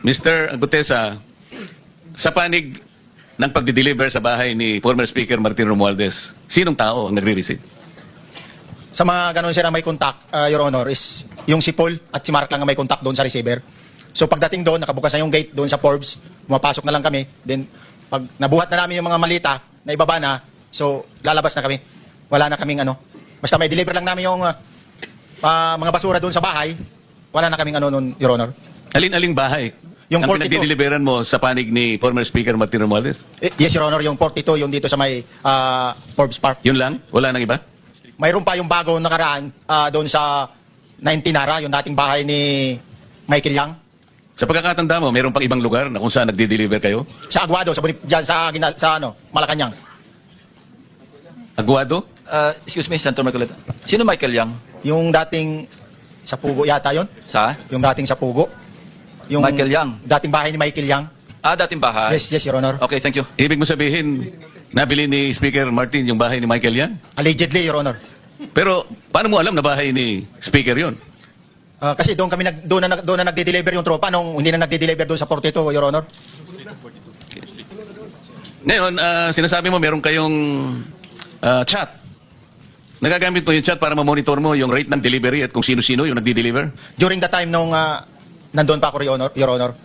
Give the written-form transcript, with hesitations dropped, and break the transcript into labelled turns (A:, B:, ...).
A: Mr. Gutesa, sa panig ng pagdi-deliver sa bahay ni former Speaker Martin Romualdez, sinong tao ang nagre-receive?
B: Sa mga ganun sir na may contact, Your Honor, is yung si Paul at si Mark lang ang may contact doon sa receiver. So pagdating doon, nakabukas na yung gate doon sa Forbes, pumapasok na lang kami. Then pag nabuhat na namin yung mga malita na ibaba na, so lalabas na kami. Wala na kaming ano. Basta may deliver lang namin yung mga basura doon sa bahay, wala na kaming ano noon, Your Honor.
A: Alin-aling bahay
B: Yung
A: ang
B: 42.
A: pinagdi-deliveran mo sa panig ni former Speaker Martin Romualdez?
B: Yes, Your Honor, yung 42, yung dito sa may Forbes Park.
A: Yun lang? Wala nang iba?
B: Mayroon pa yung bago nakaraan doon sa 19 Nara, yung dating bahay ni Michael Yang.
A: Sa pagkakatanda mo, mayroon pang ibang lugar na kung saan nagdi-deliver kayo?
B: Sa Aguado, dyan sa ano, Malacanang.
A: Aguado?
C: Excuse me, Senator Marcoleta. Sino Michael Yang?
B: Yung dating sa Pugo yata yon.
C: Sa?
B: Yung dating sa Pugo. Yung
C: Michael Yang.
B: dating bahay ni Michael Yang.
C: Dating bahay.
B: Yes, Your Honor.
C: Okay, thank you.
A: Ibig mo sabihin, nabili ni Speaker Martin yung bahay ni Michael Yan?
B: Allegedly, Your Honor.
A: Pero paano mo alam na bahay ni Speaker yon?
B: Kasi doon kami doon na nagde-deliver yung tropa nung hindi na nagde-deliver doon sa 42, Your Honor.
A: Ngayon, sinasabi mo meron kayong chat. Nagagamit mo yung chat para ma-monitor mo yung rate ng delivery at kung sino-sino yung nagdi-deliver?
B: During the time nung nandun pa ako, Your Honor,